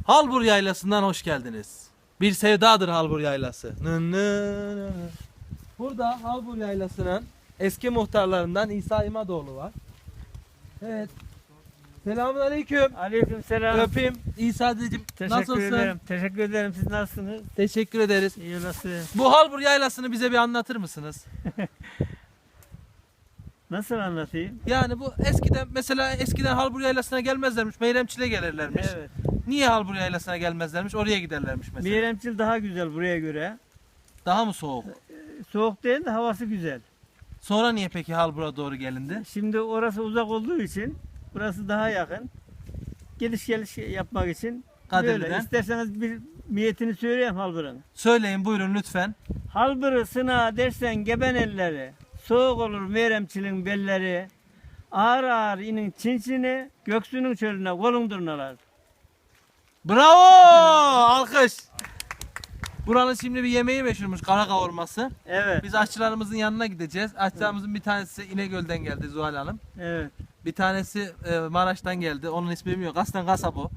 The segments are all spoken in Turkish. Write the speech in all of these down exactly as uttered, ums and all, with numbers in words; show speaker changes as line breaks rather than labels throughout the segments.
Halbur Yaylası'ndan hoş geldiniz. Bir sevdadır Halbur Yaylası. Nı nı nı. Burada Halbur Yaylası'nın eski muhtarlarından İsa İmadoğlu var. Evet. Selamünaleyküm.
Aleykümselam.
Öpeyim. İsa dedeciğim,
Teşekkür
nasılsın?
ederim. Teşekkür ederim. Siz nasılsınız?
Teşekkür ederiz.
İyi nasıl?
Bu Halbur Yaylası'nı bize bir anlatır mısınız?
Nasıl anlatayım?
Yani bu eskiden mesela eskiden Halbur Yaylası'na gelmezlermiş. Meyremçil'e gelirlermiş.
Evet.
Niye Halbur Yaylası'na gelmezlermiş? Oraya giderlermiş mesela.
Meyremçil daha güzel buraya göre.
Daha mı soğuk?
Soğuk değil de havası güzel.
Sonra niye peki Halbur'a doğru gelindi?
Şimdi orası uzak olduğu için burası daha yakın. Geliş geliş yapmak için
Kadirli'den.
böyle. İsterseniz bir niyetini söyleyeyim Halbır'ın.
Söyleyin buyurun lütfen.
Halbır'ı sına dersen geben elleri. Soğuk olur Meyremçil'in belleri. Ağır ağır inin çinçini, göksünün çölüne kolun durnalar.
Bravo! Alkış. Buranın şimdi bir yemeği meşhurmuş, kara kavurması.
Evet.
Biz aşçılarımızın yanına gideceğiz. Aşçılarımızın bir tanesi İnegöl'den geldi Zuhal Hanım.
Evet.
Bir tanesi e, Maraş'tan geldi. Onun ismi yok. Aslen kasap o.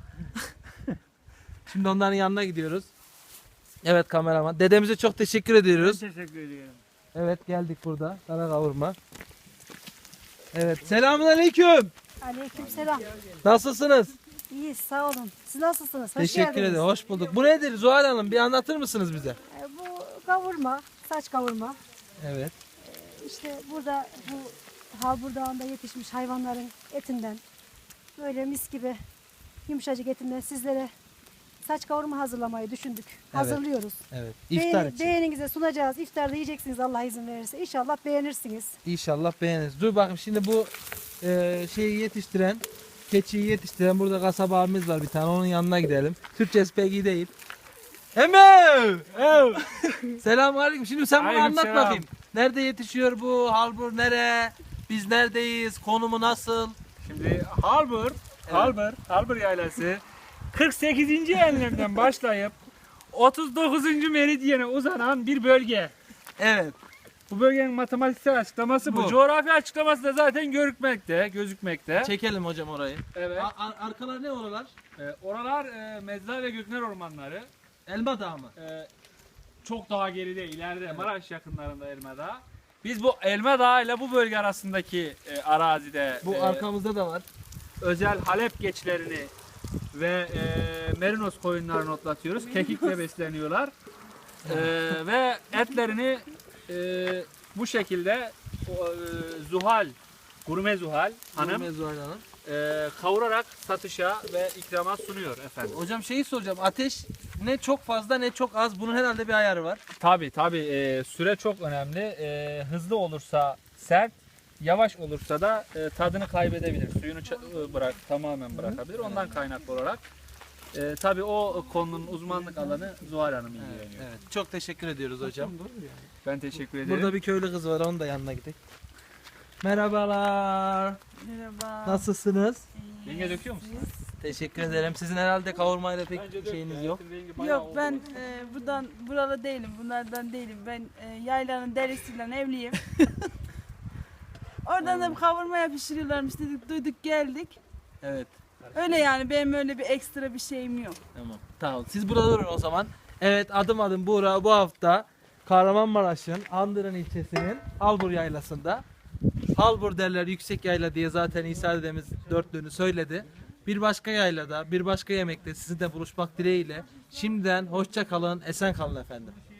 Şimdi onların yanına gidiyoruz. Evet kameraman. Dedemize çok teşekkür ediyoruz.
Ben teşekkür ediyorum.
Evet geldik burada. Kara kavurma. Evet. Selamünaleyküm.
Aleykümselam.
Nasılsınız?
İyiyiz, sağ olun. Siz nasılsınız? Hoş
Teşekkür
geldiniz.
ederim. Hoş bulduk. Bu nedir Zuhal Hanım? Bir anlatır mısınız bize?
Ee, Bu kavurma, saç kavurma.
Evet.
İşte burada bu Halbur Dağı'nda yetişmiş hayvanların etinden, böyle mis gibi yumuşacık etinden sizlere saç kavurma hazırlamayı düşündük. Hazırlıyoruz.
Evet. İftar
Beğeni-
için.
Beğeninize sunacağız. İftarda yiyeceksiniz Allah izin verirse. İnşallah beğenirsiniz.
İnşallah beğeniriz. Dur bakayım şimdi bu e, şeyi yetiştiren, keçiyi yetiştiren burada kasaba abimiz var bir tane. Onun yanına gidelim. Türkçesi pek iyi değil. Eme! Selamünaleyküm. Şimdi sen bunu anlat
Aleykümselam.
bakayım. Nerede yetişiyor bu? Halbur nere? Biz neredeyiz? Konumu nasıl?
Şimdi Halbur, Halbur, Halbur Yaylası kırk sekizinci enlemden başlayıp otuz dokuzuncu meridyene uzanan bir bölge.
Evet.
Bu bölgenin matematiksel açıklaması bu.
Bu.
Coğrafi açıklaması da zaten görükmekte, gözükmekte.
Çekelim hocam orayı.
Evet.
A- ar- arkalar ne oralar?
Ee, oralar e, Mezla ve Gökner ormanları.
Elma Dağı mı?
Ee, çok daha geride, ileride Maraş yakınlarında Elma Dağı. Biz bu Elma Dağı ile bu bölge arasındaki e, arazide
Bu
e,
arkamızda da var.
özel Halep geçlerini ve e, merinos koyunlarını otlatıyoruz. Kekikle besleniyorlar. E, ve etlerini e, bu şekilde o, e, Zuhal, gurme Zuhal hanım
Gurme Zuhal Hanım.
e, kavurarak satışa ve ikrama sunuyor efendim.
Hocam şeyi soracağım. Ateş ne çok fazla ne çok az. Bunun herhalde bir ayarı var.
Tabi tabi e, süre çok önemli. E, hızlı olursa sert, yavaş olursa da e, tadını kaybedebilir. Suyunu ça- e, bırak tamamen bırakabilir. Ondan kaynaklı olarak e, tabi o konunun uzmanlık alanı Zuhal Hanım ilgileniyor.
Evet. Çok teşekkür ediyoruz hocam.
Ben teşekkür ederim.
Burada bir köylü kız var. Onun da yanına gidelim. Merhabalar.
Merhaba.
Nasılsınuz?
Yenge döküyor musun?
Teşekkür ederim. Sizin herhalde kavurmayla pek şeyiniz yok.
Yok ben e, buradan buralı değilim. Bunlardan değilim. Ben e, yaylanın derisiyle evliyim. Oradan da bir kavurmaya pişiriyorlarmış dedik, duyduk geldik.
Evet.
Öyle yani benim öyle bir ekstra bir şeyim yok.
Tamam. Tamam. Siz burada durun o zaman. Evet adım adım Buğra bu hafta Kahramanmaraş'ın Andırın ilçesinin Halbur Yaylası'nda. Halbur derler yüksek yayla diye zaten İsa dedemiz dörtlüğünü söyledi. Bir başka yaylada, bir başka yemekte sizinle buluşmak dileğiyle şimdiden hoşça kalın, esen kalın efendim.